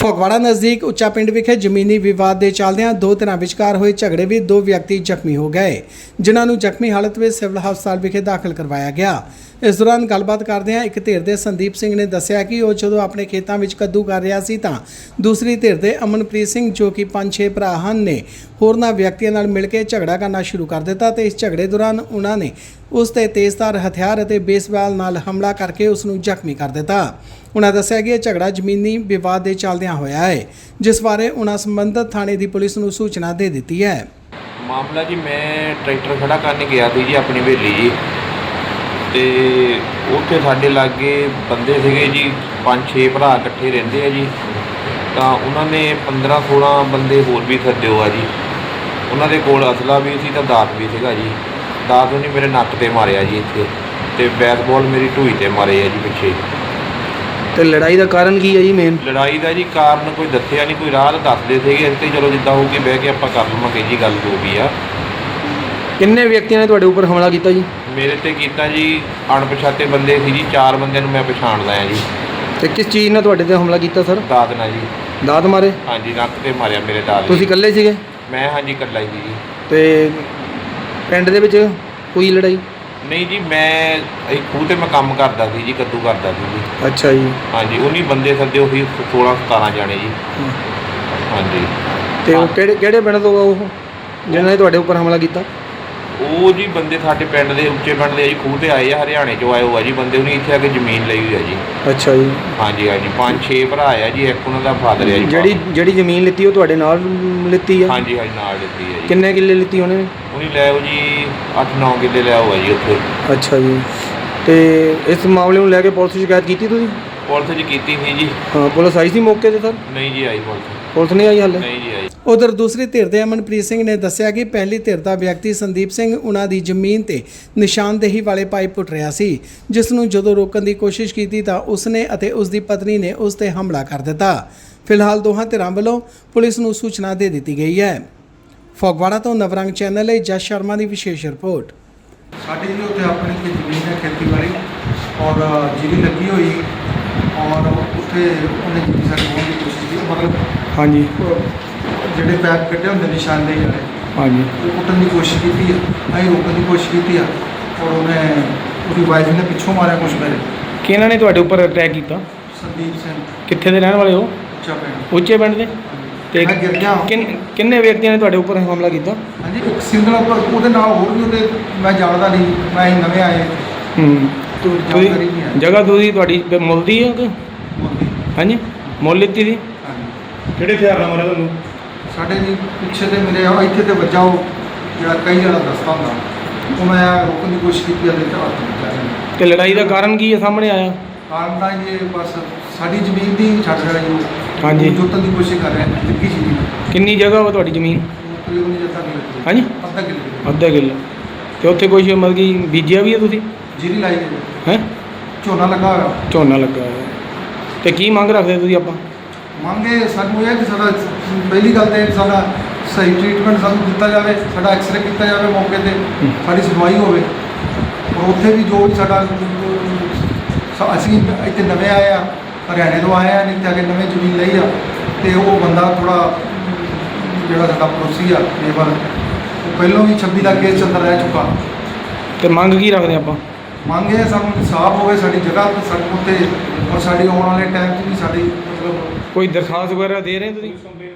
ਫਗਵਾੜਾ ਨਜ਼ਦੀਕ ਉੱਚਾ ਪਿੰਡ ਵਿਖੇ ਜ਼ਮੀਨੀ ਵਿਵਾਦ ਦੇ ਚੱਲਦਿਆਂ ਦੋ ਧਿਰਾਂ ਵਿਚਕਾਰ ਹੋਏ ਝਗੜੇ ਵਿੱਚ ਦੋ ਵਿਅਕਤੀ ਜ਼ਖਮੀ ਹੋ ਗਏ, ਜਿਨ੍ਹਾਂ ਨੂੰ ਜ਼ਖਮੀ ਹਾਲਤ ਵਿੱਚ ਸਿਵਲ ਹਸਪਤਾਲ ਵਿਖੇ ਦਾਖਲ ਕਰਵਾਇਆ ਗਿਆ। ਇਸ ਦੌਰਾਨ ਗੱਲਬਾਤ ਕਰਦਿਆਂ ਇੱਕ ਧਿਰ ਦੇ ਸੰਦੀਪ ਸਿੰਘ ਨੇ ਦੱਸਿਆ ਕਿ ਉਹ ਜਦੋਂ ਆਪਣੇ ਖੇਤਾਂ ਵਿੱਚ ਕੱਦੂ ਕਰ ਰਿਹਾ ਸੀ ਤਾਂ ਦੂਸਰੀ ਧਿਰ ਦੇ ਅਮਨਪ੍ਰੀਤ ਸਿੰਘ ਜੋ ਕਿ 5-6 ਭਰਾ ਹਨ ਨੇ ਹੋਰਨਾਂ ਵਿਅਕਤੀਆਂ ਨਾਲ ਮਿਲ ਕੇ ਝਗੜਾ ਕਰਨਾ ਸ਼ੁਰੂ ਕਰ ਦਿੱਤਾ ਤੇ ਇਸ ਝਗੜੇ ਦੌਰਾਨ ਉਹਨਾਂ ਨੇ ਉਸ ਤੇ ਤੇਜ਼ਧਾਰ ਹਥਿਆਰ ਅਤੇ ਬੇਸਬਾਲ ਨਾਲ ਹਮਲਾ ਕਰਕੇ ਉਸ ਨੂੰ ਜ਼ਖਮੀ ਕਰ ਦਿੱਤਾ। ਉਹਨਾਂ ਦੱਸਿਆ ਕਿ ਇਹ ਝਗੜਾ ਜ਼ਮੀਨੀ ਵਿਵਾਦ ਦੇ ਚੱਲਦਿਆਂ ਹੋਇਆ ਹੈ, ਜਿਸ ਬਾਰੇ ਉਹਨਾਂ ਸੰਬੰਧਿਤ ਥਾਣੇ ਦੀ ਪੁਲਿਸ ਨੂੰ ਸੂਚਨਾ ਦੇ ਦਿੱਤੀ ਹੈ। ਮਾਮਲਾ ਜੀ, ਮੈਂ ਟਰੈਕਟਰ ਖੜਾ ਕਰਨ ਗਿਆ ਸੀ ਜੀ ਆਪਣੀ ਹਵੇਲੀ ਜੀ, ਤੇ ਉੱਥੇ ਸਾਡੇ ਲਾਗੇ ਬੰਦੇ ਸੀਗੇ ਜੀ 5-6 ਭਰਾ ਇਕੱਠੇ ਰਹਿੰਦੇ ਆ ਜੀ। ਤਾਂ ਉਹਨਾਂ ਨੇ 15-16 ਬੰਦੇ ਹੋਰ ਵੀ ਸੱਦਿਓ ਆ ਜੀ। ਉਹਨਾਂ ਦੇ ਕੋਲ ਅਸਲਾ ਵੀ ਸੀ ਤਾਂ ਦਾਤ ਵੀ ਸੀਗਾ ਜੀ। ਦਾਤ ਉਹਨੇ ਮੇਰੇ ਨੱਕ ਤੇ ਮਾਰਿਆ ਜੀ ਇੱਥੇ, ਤੇ ਬੈਸਬਾਲ ਮੇਰੀ ਢੂਈ ਤੇ ਮਾਰੇ ਆ ਜੀ ਪਿੱਛੇ। ਤੇ ਲੜਾਈ ਦਾ ਕਾਰਨ ਕੀ ਹੈ ਜੀ? ਮੇਨ ਲੜਾਈ ਦਾ ਜੀ ਕਾਰਨ ਕੋਈ ਦੱਸਿਆ ਨਹੀਂ, ਕੋਈ ਰਾਹ ਦੱਸਦੇ ਸੀਗੇ ਤੇ ਚਲੋ ਜਿੱਦਾਂ ਹੋਊਗੀ ਬਹਿ ਕੇ ਆਪਾਂ ਕਰ ਲਵਾਂਗੇ ਜੀ ਗੱਲ ਜੋ ਵੀ ਆ। ਕਿੰਨੇ ਵਿਅਕਤੀਆਂ ਨੇ ਤੁਹਾਡੇ ਉੱਪਰ ਹਮਲਾ ਕੀਤਾ ਜੀ? ਮੇਰੇ ਤੇ ਕੀਤਾ ਜੀ ਅਣਪਛਾਤੇ ਬੰਦੇ ਸੀ ਜੀ, 4 ਬੰਦਿਆਂ ਨੂੰ ਮੈਂ ਪਛਾਣਦਾ ਆ ਜੀ। ਤੇ ਕਿਸ ਚੀਜ਼ ਨਾਲ ਤੁਹਾਡੇ ਤੇ ਹਮਲਾ ਕੀਤਾ ਸਰ? ਦਾਤ ਨਾਲ ਜੀ। ਦਾਤ ਮਾਰੇ? ਹਾਂਜੀ, ਨੱਕ ਤੇ ਮਾਰਿਆ ਮੇਰੇ ਦਾਤ। ਤੁਸੀਂ ਇਕੱਲੇ ਸੀਗੇ? ਮੈਂ ਹਾਂਜੀ ਇਕੱਲਾ ਹੀ ਸੀ ਜੀ। ਤੇ ਪਿੰਡ ਦੇ ਵਿੱਚ ਕੋਈ ਲੜਾਈ ਨਹੀਂ ਜੀ, ਮੈਂ ਇਹ ਖੂਹ ਤੇ ਮੈਂ ਕੰਮ ਕਰਦਾ ਸੀ ਜੀ, ਕੱਦੂ ਕਰਦਾ ਸੀ ਜੀ। ਅੱਛਾ ਜੀ। ਹਾਂਜੀ, ਉਹਨੀ ਬੰਦੇ ਸੱਦੇ ਉਹੀ 16-17 ਜਾਣੇ ਜੀ। ਹਾਂਜੀ। ਤੇ ਉਹ ਕਿਹੜੇ ਪਿੰਡ ਤੋਂ ਆ ਉਹ ਜਿਨ੍ਹਾਂ ਨੇ ਤੁਹਾਡੇ ਉੱਪਰ ਹਮਲਾ ਕੀਤਾ? ਉਹ ਜੀ ਬੰਦੇ ਸਾਡੇ ਪਿੰਡ ਦੇ ਉੱਚੇ ਪਿੰਡ ਦੇ ਜੀ, ਖੂਹ ਤੇ ਆਏ ਆ, ਹਰਿਆਣੇ ਚੋਂ ਆਏ ਹੋ ਆ ਜੀ ਬੰਦੇ। ਉਹਨੇ ਇੱਥੇ ਆ ਕੇ ਜ਼ਮੀਨ ਲਈ ਹੋਈ ਆ ਜੀ। ਅੱਛਾ ਜੀ। ਹਾਂਜੀ ਹਾਂਜੀ, 5-6 ਭਰਾ ਆ ਜੀ, ਇੱਕ ਉਹਨਾਂ ਦਾ ਫਾਦਰ ਆ ਜੀ। ਜਿਹੜੀ ਜ਼ਮੀਨ ਲਿੱਤੀ ਉਹ ਤੁਹਾਡੇ ਨਾਲ ਲਿੱਤੀ ਆ? ਹਾਂਜੀ ਹਾਂਜੀ, ਨਾਲ ਲਿੱਤੀ ਆ ਜੀ। ਕਿੰਨੇ ਕਿੱਲੇ ਲਿੱਤੀ ਉਹਨੇ? ਉਹਨੇ ਲੈ ਆਓ ਜੀ 8-9 ਕਿੱਲੇ ਲੈ ਆਓ ਜੀ ਉੱਥੇ। ਅੱਛਾ ਜੀ। ਤੇ ਇਸ ਮਾਮਲੇ ਨੂੰ ਲੈ ਕੇ ਪੁਲਿਸ ਸ਼ਿਕਾਇਤ ਕੀਤੀ ਤੁਸੀਂ? ਪੁਲਿਸ ਜੀ ਕੀਤੀ ਸੀ ਜੀ। ਹਾਂ, ਪੁਲਿਸ ਆਈ ਸੀ ਮੌਕੇ ਤੇ ਸਰ? ਨਹੀਂ ਜੀ, ਆਈ ਪੁਲਿਸ ਨਹੀਂ ਆਈ ਹਾਲੇ? ਨਹੀਂ ਜੀ ਆਈ। ਉਧਰ ਦੂਸਰੀ ਧਿਰ ਦੇ ਅਮਨਪ੍ਰੀਤ ਸਿੰਘ ਨੇ ਦੱਸਿਆ ਕਿ ਪਹਿਲੀ ਧਿਰ ਦਾ ਵਿਅਕਤੀ ਸੰਦੀਪ ਸਿੰਘ ਉਹਨਾਂ ਦੀ ਜ਼ਮੀਨ ਤੇ ਨਿਸ਼ਾਨਦੇਹੀ ਵਾਲੇ ਪਾਈਪ ਪੁੱਟ ਰਿਹਾ ਸੀ, ਜਿਸ ਨੂੰ ਜਦੋਂ ਰੋਕਣ ਦੀ ਕੋਸ਼ਿਸ਼ ਕੀਤੀ ਤਾਂ ਉਸਨੇ ਅਤੇ ਉਸ ਦੀ ਪਤਨੀ ਨੇ ਉਸ ਤੇ ਹਮਲਾ ਕਰ ਦਿੱਤਾ। ਫਿਲਹਾਲ ਦੋਹਾਂ ਧਿਰਾਂ ਵੱਲੋਂ ਪੁਲਿਸ ਨੂੰ ਸੂਚਨਾ ਦੇ ਦਿੱਤੀ ਗਈ ਹੈ। ਫਗਵਾੜਾ ਤੋਂ ਨਵਰੰਗ ਚੈਨਲ ਲਈ ਜਸ ਸ਼ਰਮਾ ਦੀ ਵਿਸ਼ੇਸ਼ ਰਿਪੋਰਟ। ਸਾਡੀ ਜੀ ਉੱਥੇ ਆਪਣੀ ਕੋਈ ਜ਼ਮੀਨ ਹੈ ਖੇਤੀਬਾੜੀ ਔਰ ਜੀਰੀ ਲੱਗੀ ਹੋਈ, ਔਰ ਉੱਥੇ ਉਹਨੇ ਜੀਰੀ ਸਾਡੀ ਹੋਣ ਦੀ ਕੋਸ਼ਿਸ਼ ਕੀਤੀ। ਮਤਲਬ ਹਾਂਜੀ, ਜਿਹੜੇ ਪੈਪ ਕੱਢੇ ਹੁੰਦੇ ਨਿਸ਼ਾਨਦੇਹੀ ਵਾਲੇ, ਹਾਂਜੀ, ਉਹ ਕੁੱਟਣ ਦੀ ਕੋਸ਼ਿਸ਼ ਕੀਤੀ ਆ, ਅਸੀਂ ਰੋਕਣ ਦੀ ਕੋਸ਼ਿਸ਼ ਕੀਤੀ ਆ, ਔਰ ਉਹਦੀ ਵਾਈਫ ਨੇ ਪਿੱਛੋਂ ਮਾਰਿਆ ਕੁਛ ਮੇਰੇ। ਕਿਹਨਾਂ ਨੇ ਤੁਹਾਡੇ ਉੱਪਰ ਅਟੈਕ ਕੀਤਾ? ਸੰਦੀਪ ਸਿੰਘ, ਕਿੱਥੇ ਦੇ ਰਹਿਣ ਵਾਲੇ ਹੋ? ਉੱਚਾ ਪਿੰਡ। ਉੱਚੇ ਪਿੰਡ ਦੇ? ਤੇ ਮੈਂ ਗਿਰ ਗਿਆ। ਕਿੰਨੇ ਵਿਅਕਤੀਆਂ ਨੇ ਤੁਹਾਡੇ ਉੱਪਰ ਹਮਲਾ ਕੀਤਾ? ਹਾਂਜੀ, ਇੱਕ ਸਿੰਗਲ ਉੱਪਰ, ਉਹਦੇ ਨਾਲ ਹੋਰ ਵੀ ਉਹਦੇ ਮੈਂ ਜਾਣਦਾ ਨਹੀਂ, ਮੈਂ ਅਸੀਂ ਨਵੇਂ ਆਏ। ਜਾਣਕਾਰੀ ਨਹੀਂ ਹੈ। ਜਗ੍ਹਾ ਤੁਹਾਡੀ ਮੁੱਲ ਦੀ ਹੈ ਕਿ? ਹਾਂਜੀ, ਮੁੱਲ ਲਿੱਤੀ ਸੀ? ਹਾਂਜੀ। ਕਿਹੜੇ ਹਥਿਆਰ ਨਾਲ ਮਾਰਿਆ ਤੁਹਾਨੂੰ? ਸਾਡੇ ਜੀ ਪਿੱਛੇ ਤੇ ਮੇਰੇ ਇੱਥੇ ਤੇ ਵੱਜਾ, ਉਹ ਜਿਹੜਾ ਕਈ ਜਣਾ ਦੱਸਦਾ ਹੁੰਦਾ, ਉਹ ਮੈਂ ਰੋਕਣ ਦੀ ਕੋਸ਼ਿਸ਼ ਕੀਤੀ ਅਤੇ ਹੱਥ ਵਿੱਚ। ਤੇ ਲੜਾਈ ਦਾ ਕਾਰਨ ਕੀ ਹੈ ਸਾਹਮਣੇ ਆਇਆ? ਕਾਰਨ ਤਾਂ ਇਹ ਬਸ ਸਾਡੀ ਜ਼ਮੀਨ ਦੀ ਛੱਡ ਰਿਹਾ ਜੀ। ਹਾਂਜੀ। ਜੋਤਨ ਦੀ ਕੋਸ਼ਿਸ਼ ਕਰ ਰਿਹਾ ਲੱਗੀ ਸੀ ਜੀ। ਕਿੰਨੀ ਜਗ੍ਹਾ ਵਾ ਤੁਹਾਡੀ ਜ਼ਮੀਨ? ਤਕਰੀਬਨ ਜਿੱਦਾਂ ਕਿ ਲੱਗੀ। ਹਾਂਜੀ, ਅੱਧਾ ਕਿੱਲੇ। ਅੱਧਾ ਕਿੱਲਾ। ਤੇ ਉੱਥੇ ਕੁਛ ਮਤਲਬ ਕਿ ਬੀਜਿਆ ਵੀ ਹੈ ਤੁਸੀਂ? ਜੀਰੀ ਲਾਈ ਗਈ ਹੈ? ਝੋਨਾ ਲੱਗਾ ਹੋਇਆ। ਝੋਨਾ ਲੱਗਾ ਹੋਇਆ। ਤੇ ਕੀ ਮੰਗ ਰੱਖਦੇ ਤੁਸੀਂ? ਆਪਾਂ ਮੰਗੇ ਸਾਨੂੰ ਇਹ ਕਿ ਸਾਡਾ ਪਹਿਲੀ ਗੱਲ ਤਾਂ ਸਾਡਾ ਸਹੀ ਟ੍ਰੀਟਮੈਂਟ ਸਾਨੂੰ ਦਿੱਤਾ ਜਾਵੇ, ਸਾਡਾ ਐਕਸਰੇ ਕੀਤਾ ਜਾਵੇ ਮੌਕੇ 'ਤੇ, ਸਾਡੀ ਸੁਣਵਾਈ ਹੋਵੇ। ਔਰ ਉੱਥੇ ਵੀ ਜੋ ਵੀ ਸਾਡਾ ਅਸੀਂ ਇੱਥੇ ਨਵੇਂ ਆਏ ਆ, ਹਰਿਆਣੇ ਤੋਂ ਆਏ ਆ, ਨਹੀਂ ਇੱਥੇ ਆ ਕੇ ਨਵੇਂ ਜ਼ਮੀਨ ਲਈ ਆ, ਅਤੇ ਉਹ ਬੰਦਾ ਥੋੜ੍ਹਾ ਜਿਹੜਾ ਸਾਡਾ ਪੜੋਸੀ ਆ ਲੇਬਰ, ਉਹ ਪਹਿਲਾਂ ਵੀ 26 ਦਾ ਕੇਸ ਅੰਦਰ ਰਹਿ ਚੁੱਕਾ। ਤੇ ਮੰਗ ਕੀ ਰੱਖਦੇ ਆਪਾਂ? ਮੰਗ ਇਹ ਸਾਨੂੰ ਇਨਸਾਫ ਹੋਵੇ ਸਾਡੀ ਜਗ੍ਹਾ 'ਤੇ, ਸਾਡੇ ਉੱਤੇ, ਔਰ ਸਾਡੀ ਆਉਣ ਵਾਲੇ ਟਾਈਮ 'ਚ ਵੀ ਸਾਡੀ ਮਤਲਬ ਕੋਈ ਦਰਖਾਸਤ ਵਗੈਰਾ ਦੇ ਰਹੇ ਤੁਸੀਂ?